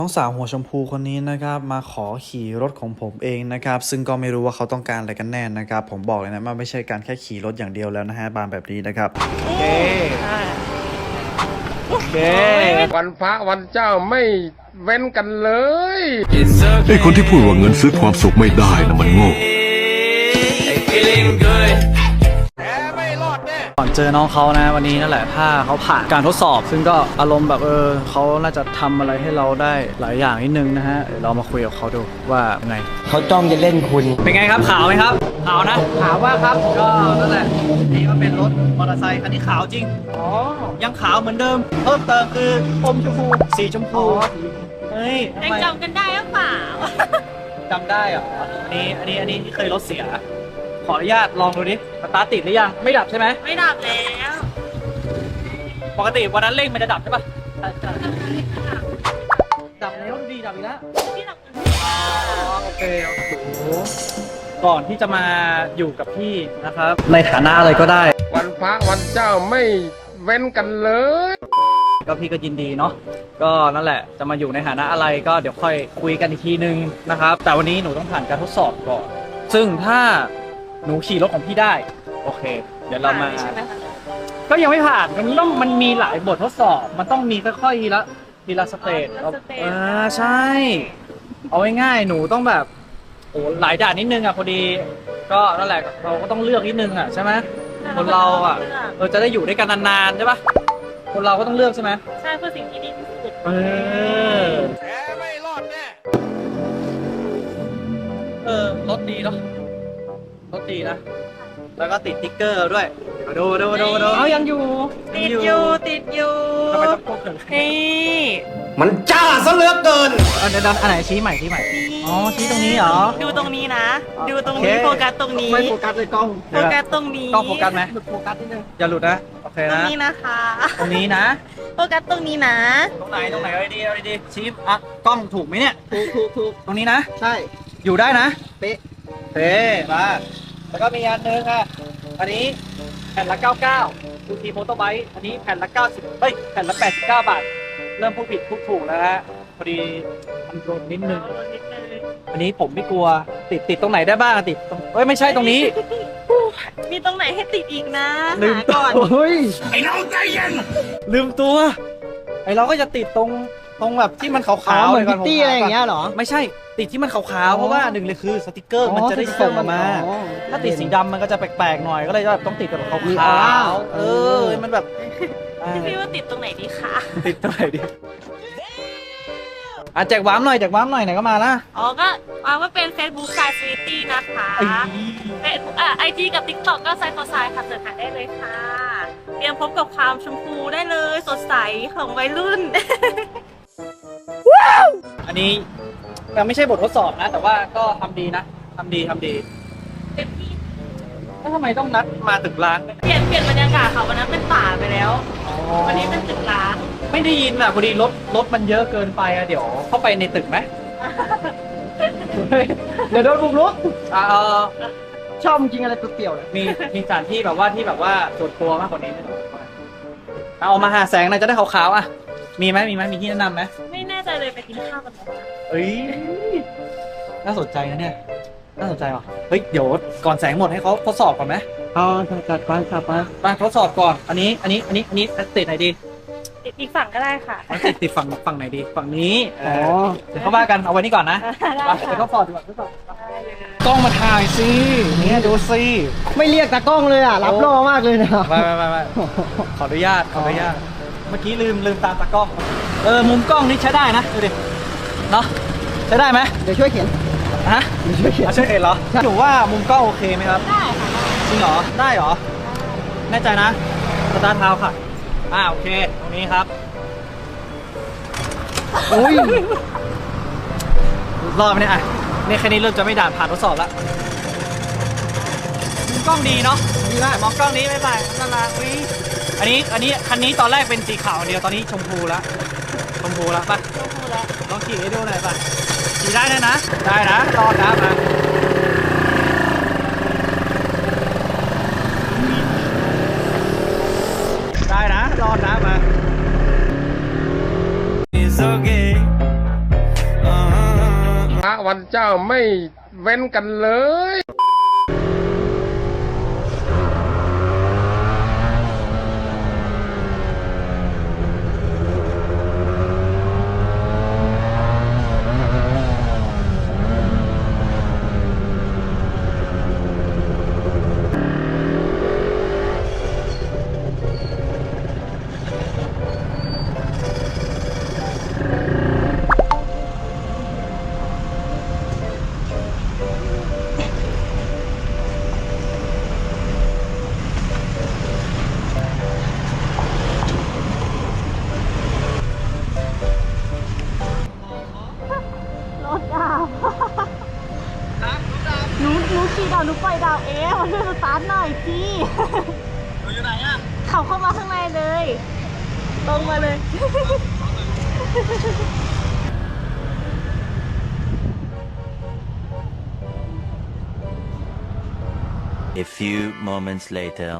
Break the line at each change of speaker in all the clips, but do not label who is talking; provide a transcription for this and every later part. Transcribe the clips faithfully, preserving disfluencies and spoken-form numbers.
น้องสาวหัวชมพูคนนี้นะครับมาขอขี่รถของผมเองนะครับซึ่งก็ไม่รู้ว่าเขาต้องการอะไรกันแน่นะครับผมบอกเลยนะว่าไม่ใช่การแค่ขี่รถอย่างเดียวแล้วนะฮะบานแบบนี้นะครับโอเคโอเค
วันพระวันเจ้าไม่เว้นกันเลย
ไอ้คนที่พูดว่าเงินซื้อความสุขไม่ได้นะมันโง่
ก่อนเจอน้องเขานะวันนี้นั่นแหละถ้าเขาผ่านการทดสอบซึ่งก็อารมณ์แบบเออเขาน่าจะทำอะไรให้เราได้หลายอย่างนิดนึงนะฮะเดี๋ยวเรามาคุยกับเขาดูว่าไง
เขาจ้องจะเล่นคุณ
เป็นไงครับขาวไหมครับขาวนะขาวมากครับก็นั่นแหละนี่ก็เป็นรถมอเตอร์ไซค์คันนี้ขาวจริงอ๋อยังขาวเหมือนเดิมเพิ่มเติมคืออมชมพูสีชมพูเฮ้ย
ยังจำกันได้หรือเปล่า
จำได้เหรออันนี้อันนี้อันนี้ที่เคยรถเสียขออนุญาตลองดูดิสตาร์ทติดหรือยังไม่ดับใช่ไหม
ไม่ดับแล้ว
ปกติวันนั้นเร่งมันจะดับใช่ปะดับแล้วดีดับอีกแล้ว
พี่ดับ
โอเคโอ้โหก่อนที่จะมาอยู่กับพี่นะครับในฐานะอะไรก็ได้
วันพระวันเจ้าไม่เว้นกันเลย
ก็พี่ก็ยินดีเนาะก็นั่นแหละจะมาอยู่ในฐานะอะไรก็เดี๋ยวค่อยคุยกันอีกทีนึงนะครับแต่วันนี้หนูต้องผ่านการทดสอบก่อนซึ่งถ้าหนูขี่รถของพี่ได้โอเคเดี๋ยวเรามาก็ยังไม่ผ่านมันต้องมันมีหลายบททดสอบมันต้องมีค่อยๆทีละทีละสเตจอ่าใช่เอาง่ายๆหนูต้องแบบโอ้หลายด่านนิดนึงอ่ะพอดีก็นั่นแหละเราก็ต้องเลือกนิดนึงอ่ะใช่ไหมคนเราอ่ะเราจะได้อยู่ด้วยกันนานๆใช่ปะคนเราก็ต้องเลือกใช่ไหม
ใช่เพื่อสิ่งที่ดีที่สุด
เออ
แกไม่รอดแน่
เออรถดีเนาะรถดีนะแล้วก็ติดติ๊กเกอร์ด้วยดูดูดูดูเขายังอยู่
ติดอยู่ติดอยู่
ทำไมต้องพูดถึง
นี่
มันจ้าซะเหลือเกิน
อันเดินอันไหนชี้ใหม่ชี้ใหม่อ๋อชี้ตรงนี้เหรอ
ดูตรงนี้นะดูตรงนี้โฟกัสตรงนี้
ไม่โฟกัสเลยกล้อง
โฟกัสตรงนี้
กล้องโฟกัสไหมโฟกัสนิดนึงอย่าหลุดนะโอเคนะ
ตรงนี้นะคะ
ตรงนี้นะ
โฟกัสตรงนี้นะ
ตรงไหนตรงไหนเอาดีเอาดีชี้อ่ะกล้องถูกไหมเนี่ย
ถูกถูกถูก
ตรงนี้นะ
ใช่
อยู่ได้นะ
เป๊ะ
เป๊ะมาแล้วก็มีอันนึงค่ะอันนี้แผ่นละเก้าสิบเก้าดูทีโฟโต้ไบต์อันนี้แผ่นละเก้าสิบเฮ้ยแผ่นละแปดสิบเก้าบาทเริ่มพูดผิดพูดถูกแล้วฮะพอดีมันโดนนิดนึงอันนี้ผมไม่กลัวติดติดตรงไหนได้บ้างติดตรงเฮ้ยไม่ใช่ตรงนี้
มีตรงไหนให้ติดอีกนะ
ลืม
ก่อน
เฮ้ยไอ้น้องใจเย็นลืมตัวไอ้เราก็จะติดตรงตรงแบบที่มันขาวๆ
เหมือนพิตตี้อะไรอย่างเงี้ยหรอ
ไม่ใช่ติดที่มันขาวๆเพราะว่าหนึ่งเลยคือสติกเกอร์มันจะได้ส่งมาถ้าติดสีดำมันก็จะแปลกๆหน่อยก็เลยแบบต้องติดแบบขาวๆเออมันแบบ
พี่ว่าติดตรงไหนดีคะ
ติดตรงไหนดีอ่ะแจกว้ามหน่อยแจกว้ามหน่อยไหนก็มาละ
อ๋อก็ว่าว่าเป็น Facebook Side City นะคะเป็นอ่าไอจีกับ TikTok ก็ไซต์ต่อไซต์ค่ะเสิร์ชหาได้เลยค่ะเตรียมพบกับความชมพูได้เลยสดใสของวัยรุ่น
อันนี้ยังไม่ใช่บททดสอบนะแต่ว่าก็ทำดีนะทำดีทำดี
เต็มที่
แล้วทำไมต้องนัดมาตึกร้าง
เปลี่ยนเปลี่ยนบรรยากาศค่ะวันนั้นเป็นป่าไปแล้ววันนี้เป็นตึกร้าง
ไม่ได้ยินอ่ะพอดีรถรถมันเยอะเกินไปอ่ะเดี๋ยวเข้าไปในตึกไหมเดี๋ยวโดนบุกรุกอ่า
ชอบจริงอะไรตัวเปี่ยวเลย
มีมีสถานที่แบบว่าที่แบบว่าส่วนตัวมากกว่านี้ไหมเอามาหาแสงหน่อยจะได้ขาวๆอ่ะมีไหมมีไหมมีที่แนะนำไหม
ไม่แน่ใจเลยไปกินข้าวกันไหม
เอ้ยน่าสนใจนะเนี่ยน่าสนใจว่ะเฮ้ยเดี๋ยวก่อนแสงหมดให้เขาทดสอบก่อนไหม
เอาจัดก่อนครับ
มาทดสอบก่อนอันนี้อันนี้อันนี้อันนี้ติดไหนดี
ติดอีกฝั่งก็ได้ค่ะ
ติดติดฝั่งฝั่งไหนดีฝั่งนี้อ๋อเดี๋ยวเข้ามากันเอาไว้นี่ก่อนนะเดี๋ยวทดสอบดีกว่าทดสอบกล้องมาถ่ายสิเนี่ยดูสิ
ไม่เรียกตากล้องเลยอ่ะรับรอมากเลยนะ
ไม่ไม่ไม่ไม่ขออนุญาตขออนุญาตเมื่อกี้ลืมลืมตามตากล้องเออมุมกล้องนี่ใช้ได้นะดูดิเนาะใช้ได้ไหม
เดี๋ยวช่วยเขียน
ฮะ
เดี๋ยวช่วยเขียน
ช่วยเขียนเหรอหนูว่ามุมกล้องโอเคไหมครับ
ได้ค่ะ
จริงเหรอได้เหรอแน่ใจนะสตาร์ทเท้าค่ะอ่าโอเคตรงนี้ครับ
โอ้ย
รอบนี้อ่ะนี่แค่นี้เริ่มจะไม่ด่านผ่านทดสอบแล้วมุมกล้องดีเนาะดีมากมองกล้องนี้ไม่ไปน่ารักอุ้ยอันนี้อันนี้คันนี้ตอนแรกเป็นสีขาวเดียวตอนนี้ชมพูแล้วชมพูแล้วป่ะ
ชมพูแล้ว
ลองขี่ให้ดูหน่อยป่ะขี่ได้นะนะได้นะรอดนะมาได้นะรอดนะมา It's okay
พระวันเจ้าไม่เว้นกันเลย
รถดาวหนูหนูขี่ดาวหนูปล่อยดาวเองมาช่วยสตาร์ทหน่อยพี่หนูอยู่ไหนอ่ะขับเข้ามาข้างในเลย ตรงมาเลย
A few moments later.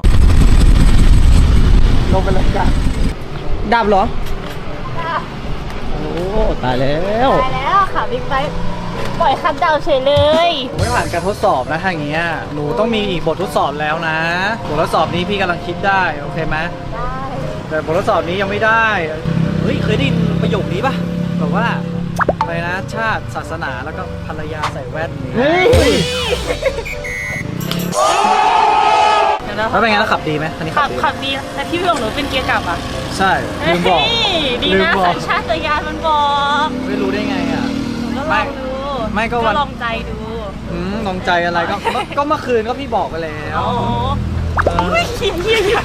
ลงไปเลยจ้ะดับเหรอ โอ้ตายแล้ว
ตายแล้วค่ะบิ๊กไบค์ปล่อยคันดาวเฉยเลย
ผมไม่ผ่านการทดสอบนะถ้าอย่างเงี้ยหนูต้องมีอีกบททดสอบแล้วนะบททดสอบนี้พี่กำลังคิดได้โอเคไหม
ได้
แต่บททดสอบนี้ยังไม่ได้เฮ้ยเคยได้ยินประโยคนี้ปะแบบว่าอะไรนะชาติศาสนาแล้วก็ภรรยาใส่แว่นนี่
เฮ้ย
แล้วเป็นไงแล้วขับดีไหมคันนี้
ขั
ขั
บบ
ดี
ขับดีแต่ที่พี่บอกหนูเป็นเกียร์กลับอ่ะ
ใช่ลืมบอก
เฮ้ยดี
ลืม
นะ
บอก
สัญชาตญาณมันบอก
ไม่รู้ได้ไงอ่ะ
หนูก็ล
ไม่
องดู
ไม่ก็วัน
ลองใจดู
อืมลองใจอะไรก็ก็ก็เมื่อคืนก็พี่บอกไปแล้ว
อ๋อ
เออ
ไม่คิดเยี่ยอย่าง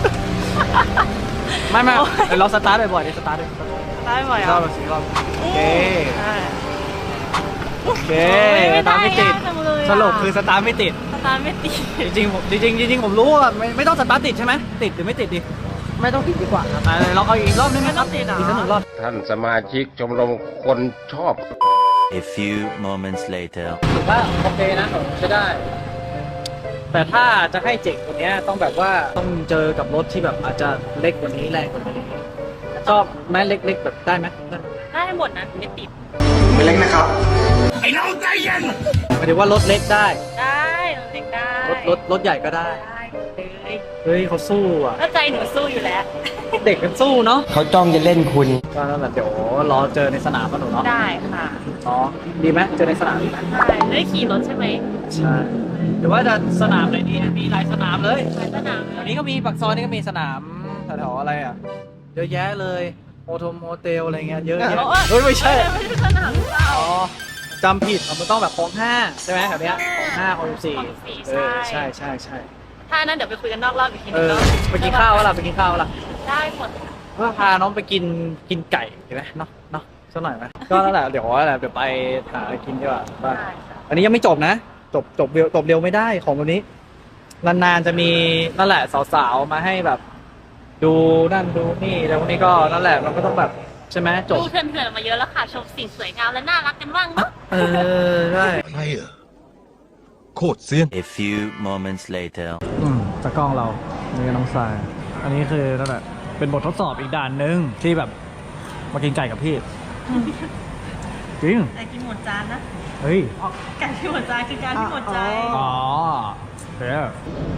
ไม่ไม่
โอ้ย
เดี๋ยวเราสตาร์ทบ่อยๆเดี๋ยวสตาร์ทเลย
ได้ไหม
รอ
อ่ะ
บสี่รอบโอเค
อ่า
โอเค
ไม่
สตาร์ทไม่ติด
ได้ยากจังเลยอะ
สรุปคือสตาร์ทไม่ติด
สตาร์ทไม่ติด
จริงๆผมจริงๆจริงๆผมรู้ว่าไม่ไม่ต้องสตาร์ทติดใช่ไหมติดหรือไม่ติดดิ
ไม่ต้องติดดีกว่าครับ
อ่ะเราเอาอีกรอบได้ไหมครับ
ไม่ต้องติดเหรอ
อีกสักหนึ่งรอบ
ท่านสมาชิกชมรมคนชอบ
A few moments later.
ถือว่าโอเคนะใช้ได้ แต่ถ้าจะให้เจ๋งกว่านี้ต้องแบบว่าต้องเจอกับรถที่แบบอาจจะเล็กกว่านี้แรงกว่านี้ชอบไหมเล็กๆแบบได้ไหมได้
ได้หมดนะไม่ติด
หมายถึงว่ารถเล็กได้
ได้เราเด็กได้
รถรถรถใหญ่ก็ได้
ได้เลย
เฮ้ยเขาสู้อ่ะ
ก็ใจหนูสู้อยู่แล้ว
เด็กกันสู้เนาะ
เขาจ้องจะเล่นคุณ
ก็นั่นแหละเดี๋ยวรอเจอในสนามกันหนูเนาะ
ได้ค่ะ
อ๋อดีไหมเจอในสนามดีไหม
ได้ได้ขี่รถใช่ไหม
ใช่หรือว่าจะสนามไหนดีมีหลายสนามเลย
ไปสนาม
แถวนี้ก็มีปากซอยนี่ก็มีสนามแถวๆอะไรอ่ะเยอะแยะเลยโฮเทลโมเตลอะไรเงี้ยเยอะแยะเฮ้ยไม่ใช่
ไม่ใช่สนามหรือเปล่า
อ๋อจำผิดมันต้องแบบคลองห้าใช่ไหมแถวเนี้ยคลองห้าคลองสิบสี่
คลองสิบสี่
เออ
ใช่
ใช่ใช่ใช่
ถ้านั้นเดี๋ยวไปคุยกันนอกรอบอีกที
เอ
นึง
อ
เนาะ
ไปกินข้าววะล่ะไปกินข้าววะล่ะ
ได้หมด
ว่าพาน้องไปกินกินไก่ดีไหมเนาะเนาะสักหน่อยไหมก็นั่นแหละเดี๋ยวอะไรเดี๋ยวไปหาอะไรกินดีกว่าบ้าน
ได้
อันนี้ยังไม่จบนะจบจบเร็วจบเร็วไม่ได้ของวันนี้นานๆจะมีนั่นแหละสาวๆมาให้แบบ ดูนั่นดูนี่แล้ววันนี้ก็นั่นแหละมันก็ต้องแบบใช่ไหมจบ
ดูเถื่อนๆมาเยอะแล้วค่ะ ชมสิ่งสวยงามและน่ารักกันบ้างเนาะ
เออใช่
ใครอ่ะโคตรเซียน
A few moments later.
อืมตากล้องเรานี่น้องทรายอันนี้คือนั่นแหละเป็นบททดสอบอีกด่านหนึ่งที่แบบมากินไก่กับพี่ จริง
แต่กินหมดจานนะ
เฮ้ย
ไก่ที่หมดจานคือการที่หมดใจ
อ๋อเดี๋ยว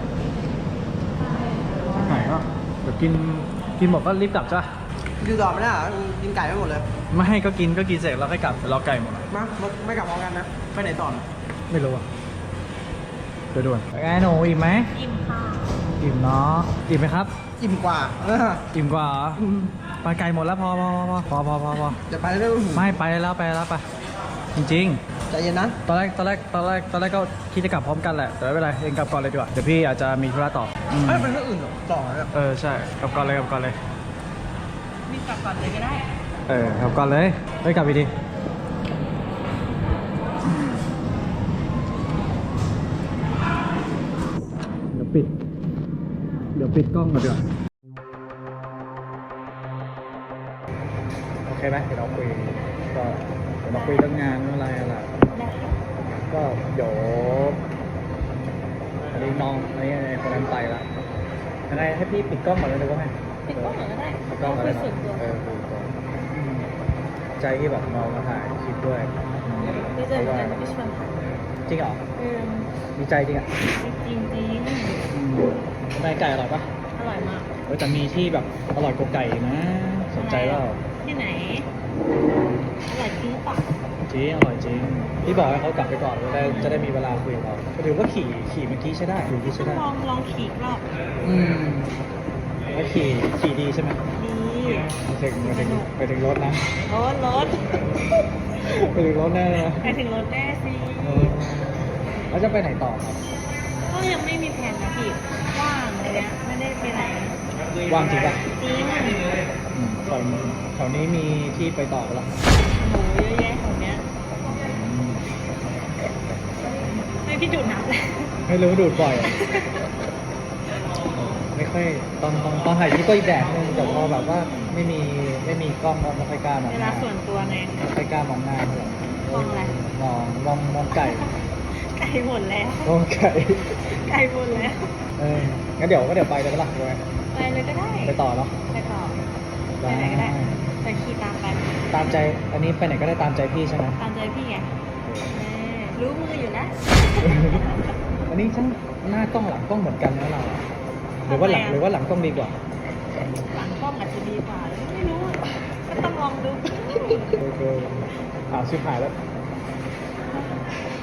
ไหนก็เดี๋ยวกินกินหมดก็รีบกลับจ้ะ
อยู่ต่อไม่ได้เหรอกินไก่ไม่หมดเลย
ไม่ให้ก็กินก็กินเสร็จแล้วค่อยกลับเดี๋ยวรอไก่หมด
มาไม่กลับพร้อมกันนะ ไปไหนต่อ
ไม่รู้อ่ะเดี๋ยวด่วนไงหนูอิ่มไหม
อิ่มค่ะ
อิ่มเนาะอิ่มไหมครับ
อิ่มกว่าเออ
อิ่มกว่าเหรอไปไก่หมดแล้วพอพอพอพอพอพอพอ
จะไปเรื่อยๆ
ไม่ไปแล้วไปแล้วไปจริง
ใจเย็นนะ
ๆ ตอนแรกตอนแรกตอนแรกตอนแรกก็คิดจะกลับพร้อมกันแหละแต่ไม่เป็นไรเองกลับก่อนเลยดีกว่าเดี๋ยวพี่อาจจะมีธุระต่ออืม
เอ้ยเป็นเรื่องอื่นเหรอต่อเลย
เออใช่กลับก่อนเลยกลับก่อนเลย
รีบกลับก่อนเลยก็ได้
เออกลับก่อนเลยเฮ้ยกลับไปดิเดี๋ยวปิด เดี๋ยวปิดกล้องก่อนดีกว่าโอเคไหมเดี๋ยวเราคุยก็เดี๋ยวเราคุยเรื่องงานเรื่องอะไรอะไรก็เดี๋ยวอันนี้น้องอันนี้คนนั้นไปละยังไงให้พี่ปิดกล้องก่อนเลยดีกว่าไหม
ปิดกล้องหน่อยก็ได้
ปิดกล้องก่อนเลย
คุย
เนาะ
ส่วนตัว
เออคุยส่วนตัวอืมใจที่แบบน้องมาถ่ายคลิปด้วยอืม
ได้ใจเหมือนกันที่ชวนถ่าย
จริงเหรอ
เออ
ดีใจจริงอ่ะ
จริงจริง
อืมได้ไก่อร่อยปะ
ๆอร่อยมาก
เออแต่มีที่แบบอร่อยกว่าไก่นะ สนใจเปล่า
ที่ไหนอร่อยจริงหรือเปล่า
จริงอร่อยจริงพี่บอกให้เขากลับไปก่อนจะได้จะได้มีเวลาคุยกับเราหรือว่าขี่ขี่เมื่อกี้ใช้ได้ขี่เมื่อกี้
ต้
ใช้
อง
ได้
ลองลองขี่อีกรอบ
อืมแล้วขี่ขี่ดีใช่ไหม
ดี
ไปถึงไปถึงไปถึงรถนะ
รถรถ
ไปถึงรถแน่เลยนะ
ไปถึงรถแน่สิ
เออแล้วจะไปไหนต่อครับ
ก็ยังไม่มีแผนนะพี่ว่างอะไรเงี้ยไม่ได้ไปไหน
ว่างจริงปะ
จริง
อืมแถวแถวนี้มีที่ไปต่อปะล่ะ
หนูเยอะแยะของเนี้ย
อืม
ไม่พี่ดูดน้ำเลย
ไม่รู้ดูดบ่อยอะไม่ค่อยตอนตอนตอนถ่ายคลิปก็อีกแบบนึงแต่พอแบบว่าไม่มีไม่มีกล้องก็ไม่ค่อยกล้ามอง
เว
ห
ลา
น้า
ส่วนตัวไง
ไม่ค่อยกล้ามองหน้าเท่าไหร่
มองอะไร
มองมองมองไก่
ไกลหมดแล้ว
มองไก่
ไกลหมดแล้ว
เอองั้นเดี๋ยวก็เดี๋ยวไปเลยปะล่ะไป
ไปเลยก็ได้
ไปต่อเนาะ
ไปต่อไปไหนก็ได้ไปขี่ตามไป
ตามใจอันนี้ไปไหนก็ได้ตามใจพี่ใช่ไหม
ตามใจพี่ไงเออรู้มืออยู่นะ
อันนี้ทั้งหน้ากล้องหลังกล้องเหมือนกันนะเราหรือว่าหลัง
ทำไมอะ
หรือว่าหลังกล้องดีกว่า
หลังกล้องอาจจะดีกว่าไม่รู้อะก็ต้องลองดู
โอเคอ่าชิบหายแล้ว